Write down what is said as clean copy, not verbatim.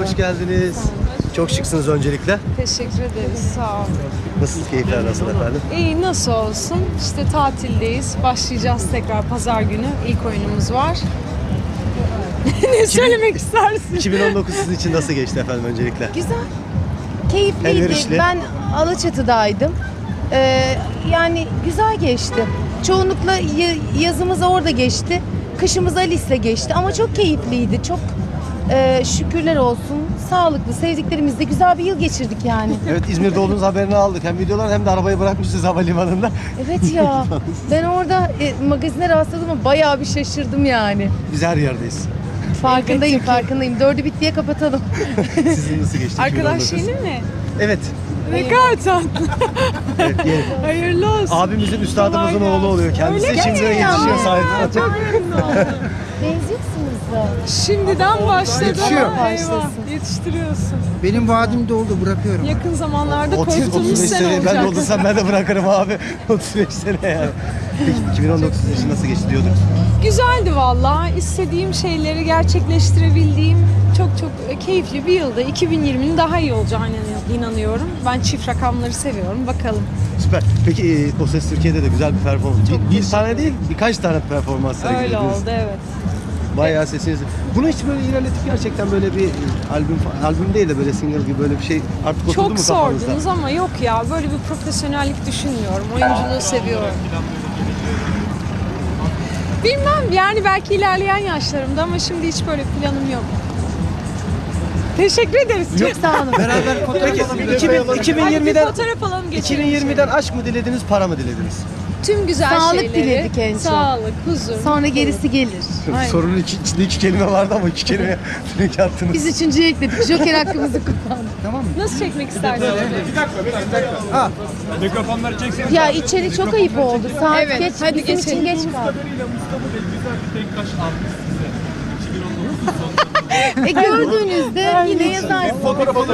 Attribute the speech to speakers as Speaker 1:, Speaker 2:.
Speaker 1: hoş geldiniz. Çok şıksınız öncelikle.
Speaker 2: Teşekkür ederiz. Sağ olun.
Speaker 1: Nasıl, keyifler nasıl efendim?
Speaker 2: İyi, nasıl olsun? İşte tatildeyiz. Başlayacağız tekrar pazar günü. İlk oyunumuz var. Ne söylemek istersin?
Speaker 1: 2019 sizin için nasıl geçti efendim öncelikle?
Speaker 3: Güzel. Keyifliydi.
Speaker 1: Elverişli.
Speaker 3: Ben Alaçatı'daydım. Yani güzel geçti. Çoğunlukla yazımız orada geçti. Kışımız Alice'le geçti ama çok keyifliydi. Çok şükürler olsun. Sağlıklı, sevdiklerimizle güzel bir yıl geçirdik yani.
Speaker 1: Evet, İzmir'de olduğunuz haberini aldık. Hem videolar hem de arabayı bırakmışsınız havalimanında.
Speaker 3: Evet ya. Ben orada magazine rastladım ama bayağı bir şaşırdım yani.
Speaker 1: Biz her yerdeyiz.
Speaker 3: Farkındayım. 4'ü bitti diye kapatalım.
Speaker 1: Sizin nasıl geçti?
Speaker 2: Arkadaş
Speaker 1: 2019?
Speaker 2: yeni mi?
Speaker 1: Evet.
Speaker 2: Ne kadar tatlı.
Speaker 1: Evet, yeni.
Speaker 2: Hayırlı olsun.
Speaker 1: Abimizin, üstadımızın
Speaker 2: Kolay
Speaker 1: oğlu oluyor. Kendisi
Speaker 2: Öyle mi?
Speaker 1: içimize yetişiyor sahip.
Speaker 2: Çok memnun oldum.
Speaker 3: Benziyorsunuz da.
Speaker 2: Şimdiden başladı.
Speaker 4: Yetişiyor.
Speaker 2: Eyvah,
Speaker 3: Başlasın.
Speaker 2: Yetiştiriyorsun.
Speaker 4: Benim vaadim doldu, bırakıyorum.
Speaker 2: Yakın zamanlarda
Speaker 1: 30-35
Speaker 2: korktuğumuz sene
Speaker 1: sene ben de
Speaker 2: olacak.
Speaker 1: olursam ben de bırakırım abi. 35 sene yani. Peki 2019 sizin için nasıl geçti diyorduk?
Speaker 2: Güzeldi valla. İstediğim şeyleri gerçekleştirebildiğim çok keyifli bir yılda. 2020'nin daha iyi olacağına inanıyorum. Ben çift rakamları seviyorum. Bakalım.
Speaker 1: Süper. Peki O Ses Türkiye'de de güzel bir performans. Bir tane değil, birkaç tane performans
Speaker 2: Öyle
Speaker 1: sergilediniz.
Speaker 2: oldu, evet.
Speaker 1: Bayağı sesiniz. Bunu hiç böyle ilerletip gerçekten böyle bir albüm değil de böyle single gibi böyle bir şey artık oturdu
Speaker 2: Çok
Speaker 1: mu kafanızda?
Speaker 2: sordunuz ama yok ya. Böyle bir profesyonellik düşünmüyorum. Oyunculuğu seviyorum. Bilmem yani belki ilerleyen yaşlarımda ama şimdi hiç böyle planım yok. Teşekkür ederiz.
Speaker 1: Yok.
Speaker 3: Sağ olun.
Speaker 4: Beraber fotoğraf
Speaker 1: Peki
Speaker 4: alalım.
Speaker 1: 2020'den
Speaker 2: fotoğraf alalım geçelim.
Speaker 1: 2020'den aşk mı dilediniz, para mı dilediniz?
Speaker 2: Tüm güzel
Speaker 3: Sağlık
Speaker 2: şeyleri.
Speaker 3: diledik en çok.
Speaker 2: Sağlık, huzur.
Speaker 3: Sonra gerisi gelir.
Speaker 2: Aynen.
Speaker 1: Sorunun içinde iki kelime vardı ama iki kelime direkt attınız.
Speaker 3: Biz üçüncüye ekledik. Joker hakkımızı kullandık.
Speaker 4: Tamam mı?
Speaker 2: Nasıl çekmek istersin?
Speaker 5: Mikrofonları çekseniz.
Speaker 3: Ya içeri çok ayıp oldu. Saat
Speaker 2: Evet,
Speaker 3: geç.
Speaker 2: hadi
Speaker 3: Bizim için
Speaker 2: geçelim.
Speaker 3: geç kaldı.
Speaker 5: Kadarıyla Mustafa Bey güzel bir tek kaş artist size. 2019 sonunda.
Speaker 3: Gördüğünüzde yine yazarsın.
Speaker 5: Fotoğraf